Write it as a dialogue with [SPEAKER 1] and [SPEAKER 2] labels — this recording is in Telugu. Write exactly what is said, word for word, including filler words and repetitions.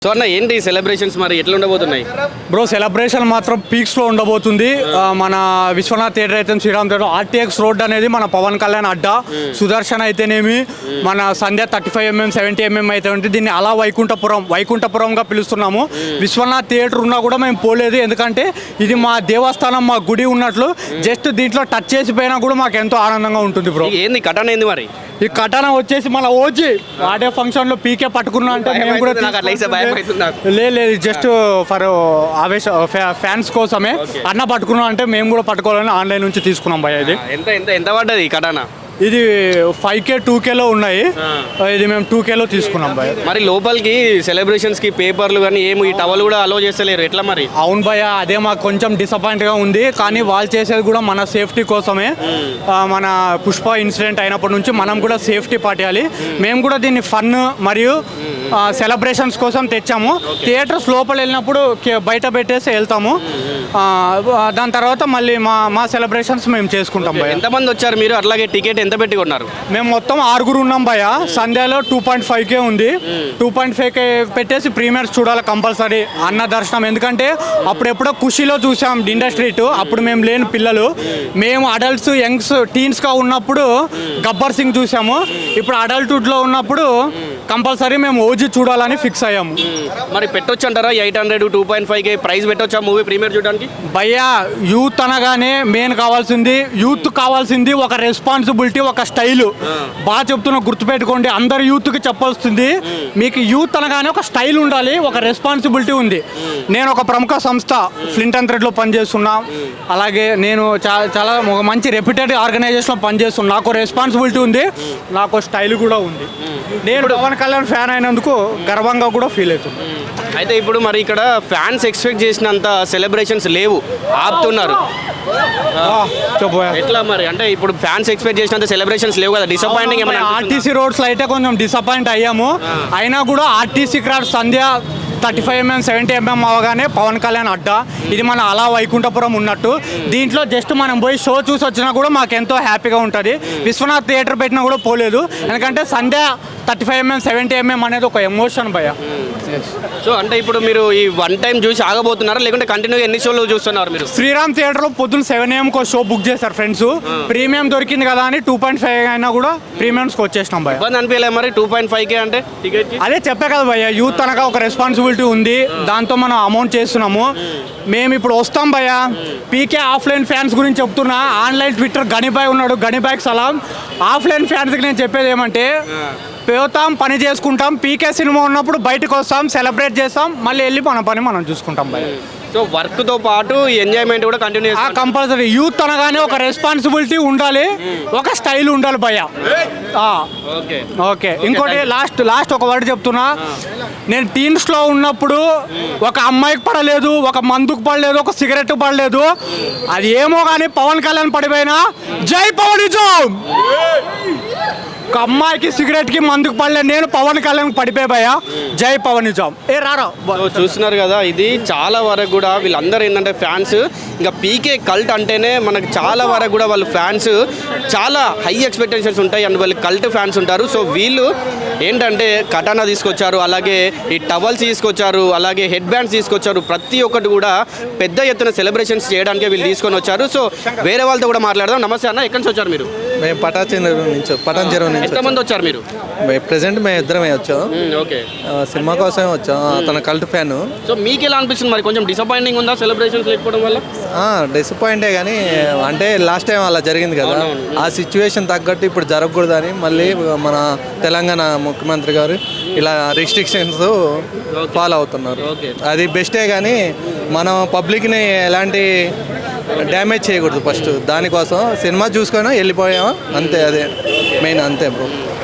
[SPEAKER 1] సో అన్న ఏంటి సెలబ్రేషన్స్ మరి ఎట్లా ఉండబోతున్నాయి
[SPEAKER 2] బ్రో? సెలబ్రేషన్ మాత్రం పీక్స్లో ఉండబోతుంది. మన విశ్వనాథ్ థియేటర్ అయితే శ్రీరామ్ థియేటర్, ఆర్టీఎక్స్ రోడ్ అనేది మన పవన్ కళ్యాణ్ అడ్డా, సుదర్శన్ అయితేనేమి, మన Sandhya thirty five MM seventy MM అయితే ఉంటే దీన్ని అలా వైకుంఠపురం వైకుంఠపురంగా పిలుస్తున్నాము. విశ్వనాథ్ థియేటర్ ఉన్నా కూడా మేము పోలేదు, ఎందుకంటే ఇది మా దేవస్థానం, మా గుడి ఉన్నట్లు. జస్ట్ దీంట్లో టచ్ చేసిపోయినా కూడా మాకు ఎంతో ఆనందంగా ఉంటుంది బ్రో.
[SPEAKER 1] ఏంది కటన ఏంది మరి?
[SPEAKER 2] ఈ కటన వచ్చేసి మన ఓజీ ఆడే ఫంక్షన్ లో పీకే పట్టుకున్నా అంటే మేము కూడా లేదు, జస్ట్ ఫర్ ఆవేశ ఫ్యాన్స్ కోసమే. అన్న పట్టుకున్నాం అంటే మేము కూడా పట్టుకోవాలని ఆన్లైన్ నుంచి తీసుకున్నాం భయ. ఇది
[SPEAKER 1] ఎంత ఎంత ఎంత పడ్డది ఈ కటన?
[SPEAKER 2] ఇది ఫైవ్ కే టూ కేలో ఉన్నాయి, ఇది మేము టూ కేలో తీసుకున్నాం భయ.
[SPEAKER 1] మరి లోపలికి సెలబ్రేషన్స్ కి పేపర్లు కానీ ఏమి ఈ టవల్ కూడా అలో చేస్తలేరు, ఎట్లా మరి?
[SPEAKER 2] అవును భయ, అదే మాకు కొంచెం డిసప్పాయింట్ గా ఉంది. కానీ వాళ్ళు చేసేది కూడా మన సేఫ్టీ కోసమే. మన పుష్ప ఇన్సిడెంట్ అయినప్పటి నుంచి మనం కూడా సేఫ్టీ పాటియాలి. మేము కూడా దీన్ని ఫన్ మరియు సెలబ్రేషన్స్ కోసం తెచ్చాము. థియేటర్స్ లోపల వెళ్ళినప్పుడు బయట పెట్టేసి వెళ్తాము, దాని తర్వాత మళ్ళీ మా మా సెలబ్రేషన్స్ మేము చేసుకుంటాం భయ.
[SPEAKER 1] ఎంతమంది వచ్చారు మీరు? అట్లాగే టికెట్ ఎంత పెట్టి కొన్నారు?
[SPEAKER 2] మేము మొత్తం ఆరుగురు ఉన్నాం భయ. సంధ్యాలో టూ పాయింట్ ఫైవ్ కే ఉంది, టూ పాయింట్ ఫైవ్ కే పెట్టేసి ప్రీమియర్స్ చూడాలి కంపల్సరీ. అన్న దర్శనం, ఎందుకంటే అప్పుడు ఎప్పుడో ఖుషీలో చూసాం ఇండస్ట్రీట్, అప్పుడు మేము లేని పిల్లలు, మేము అడల్ట్స్ యంగ్స్ టీన్స్గా ఉన్నప్పుడు గబ్బర్ సింగ్ చూసాము. ఇప్పుడు అడల్ట్హుడ్లో ఉన్నప్పుడు కంపల్సరీ మేము ఓజీ చూడాలని ఫిక్స్ అయ్యాము.
[SPEAKER 1] మరి పెట్టొచ్చు అంటారా? Eight hundred two point five K price పెట్టొచ్చా మూవీ ప్రీమియర్ చూడడానికి?
[SPEAKER 2] భయ్యా, యూత్ అనగానే మెయిన్ కావాల్సింది, యూత్ కావాల్సింది ఒక రెస్పాన్సిబిలిటీ, ఒక స్టైల్. బాగా చెప్తున్నా, గుర్తుపెట్టుకోండి, అందరు యూత్కి చెప్పాల్సింది, మీకు యూత్ అనగానే ఒక స్టైల్ ఉండాలి, ఒక రెస్పాన్సిబిలిటీ ఉంది. నేను ఒక ప్రముఖ సంస్థ ఫ్లింట్ అండ్ థ్రెడ్లో పనిచేస్తున్నా, అలాగే నేను చాలా చాలా ఒక మంచి రెప్యూటెడ్ ఆర్గనైజేషన్లో పనిచేస్తున్నా. నాకు రెస్పాన్సిబిలిటీ ఉంది, నాకు స్టైల్ కూడా ఉంది. నేను పవన్ కళ్యాణ్ ఫ్యాన్ అయినందుకు గర్వంగా కూడా ఫీల్ అవుతుంది.
[SPEAKER 1] అయితే ఇప్పుడు మరి ఇక్కడ ఫ్యాన్స్ ఎక్స్పెక్ట్ చేసినంత సెలబ్రేషన్స్ లేవు, ఆపుతున్నారు. ఎట్లా మరి? అంటే ఇప్పుడు ఫ్యాన్స్ ఎక్స్పెక్ట్ చేసినంత సెలబ్రేషన్స్ లేవు కదా, డిసప్పాయింటింగ్ ఏమైనా?
[SPEAKER 2] ఆర్టీసీ రోడ్స్లో అయితే కొంచెం డిసప్పాయింట్ అయ్యాము. అయినా కూడా ఆర్టీసీ క్రాడ్ Sandhya thirty five MM seventy MM అవగానే పవన్ కళ్యాణ్ అడ్డా, ఇది మన అలా వైకుంఠపురం ఉన్నట్టు. దీంట్లో జస్ట్ మనం పోయి షో చూసి వచ్చినా కూడా మాకు ఎంతో హ్యాపీగా ఉంటుంది. విశ్వనాథ్ థియేటర్ పెట్టినా కూడా పోలేదు, ఎందుకంటే Sandhya thirty five MM seventy MM అనేది ఒక ఎమోషన్ భయ.
[SPEAKER 1] సో అంటే ఇప్పుడు మీరు ఈ వన్ టైం చూసి ఆగబోతున్నారా, లేకుంటే కంటిన్యూగా ఎన్ని షోలు చూస్తున్నారు మీరు?
[SPEAKER 2] శ్రీరామ్ థియేటర్లో పొద్దున్న సెవెన్ ఏఎంకి ఒక షో బుక్ చేస్తారు ఫ్రెండ్స్. ప్రీమియం దొరికింది కదా అని టూ పాయింట్ ఫైవ్ అయినా కూడా ప్రీమియంస్కి వచ్చేసినాం భయ.
[SPEAKER 1] ఇబ్బంది అనిపించలేదు మరి టూ పాయింట్ ఫైవ్ కే అంటే టికెట్?
[SPEAKER 2] అదే చెప్పే కదా భయ్య, యూత్ అనగా ఒక రెస్పాన్సిబిలిటీ ఉంది, దాంతో మనం అమౌంట్ చేస్తున్నాము. మేము ఇప్పుడు వస్తాం భయ్య. పీకే ఆఫ్లైన్ ఫ్యాన్స్ గురించి చెప్తున్నా, ఆన్లైన్ ట్విట్టర్ గణిబాయ్ ఉన్నాడు, గణిబాయ్కి సలాం. ఆఫ్లైన్ ఫ్యాన్స్కి నేను చెప్పేది ఏమంటే, పోతాం, పని చేసుకుంటాం, పీకే సినిమా ఉన్నప్పుడు బయటకు వస్తాం, సెలబ్రేట్ చేస్తాం, మళ్ళీ వెళ్ళి మన పని మనం చూసుకుంటాం భయ్య.
[SPEAKER 1] సో వర్క్తో పాటు ఎంజాయ్మెంట్ కూడా కంటిన్యూ
[SPEAKER 2] కంపల్సరీ. యూత్ అనగానే ఒక రెస్పాన్సిబిలిటీ ఉండాలి, ఒక స్టైల్ ఉండాలి భయ్య. ఓకే, ఇంకోటి లాస్ట్ లాస్ట్ ఒక వర్డ్ చెప్తున్నా. నేను టీన్స్లో ఉన్నప్పుడు ఒక అమ్మాయికి పడలేదు, ఒక మందుకు పడలేదు, ఒక సిగరెట్ పడలేదు. అది ఏమో కానీ పవన్ కళ్యాణ్ పడిపోయినా జై పవనిజం. ఒక అమ్మాయికి సిగరెట్కి మందుకు పడలేదు, నేను పవన్ కళ్యాణ్ పడిపోయా, జై పవనిజం. ఏ రారా
[SPEAKER 1] చూస్తున్నారు కదా, ఇది చాలా వరకు కూడా వీళ్ళందరూ ఏంటంటే ఫ్యాన్స్, ఇంకా పీకే కల్ట్ అంటేనే మనకు చాలా వరకు కూడా వాళ్ళు ఫ్యాన్స్ చాలా హై ఎక్స్పెక్టేషన్స్ ఉంటాయి, అండ్ వాళ్ళు కల్ట్ ఫ్యాన్స్ ఉంటారు. సో వీళ్ళు ఏంటంటే కటానా తీసుకొచ్చారు, అలాగే ఈ టవల్స్ తీసుకొచ్చారు, అలాగే హెడ్ బ్యాండ్స్ తీసుకొచ్చారు. ప్రతి ఒక్కటి కూడా పెద్ద ఎత్తున సెలబ్రేషన్స్ చేయడానికి వీళ్ళు తీసుకొని వచ్చారు. సో వేరే వాళ్ళతో కూడా మాట్లాడదాం. నమస్తే అన్న, ఎక్కడి నుంచి వచ్చారు మీరు?
[SPEAKER 3] మేము పటాన్ నుంచి పటాన్ చెరువు నుంచి.
[SPEAKER 1] ఎంతమంది వచ్చారు మీరు?
[SPEAKER 3] ప్రెసెంట్ మేము ఇద్దరమే వచ్చాం.
[SPEAKER 1] ఓకే,
[SPEAKER 3] సినిమా కోసమే వచ్చాం. తన కల్ట్ ఫ్యాన్.
[SPEAKER 1] సో మీకు ఎలా అనిపిస్తుంది మరి? కొంచెం డిసప్పాయింటింగ్ ఉందా సెలబ్రేషన్స్ లేకపోవడం వల్ల?
[SPEAKER 3] డిసప్పాయింటే, కానీ అంటే లాస్ట్ టైం అలా జరిగింది కదా, ఆ సిచ్యువేషన్ తగ్గట్టు ఇప్పుడు జరగకూడదని మళ్ళీ మన తెలంగాణ ముఖ్యమంత్రి గారు ఇలా రిస్ట్రిక్షన్స్ ఫాలో అవుతున్నారు. అది బెస్టే, కానీ మనం పబ్లిక్ని ఎలాంటి డ్యామేజ్ చేయకూడదు. ఫస్ట్ దానికోసం సినిమా చూసుకొని వెళ్ళిపోయామా, అంతే, అదే మెయిన్, అంతే బ్రో.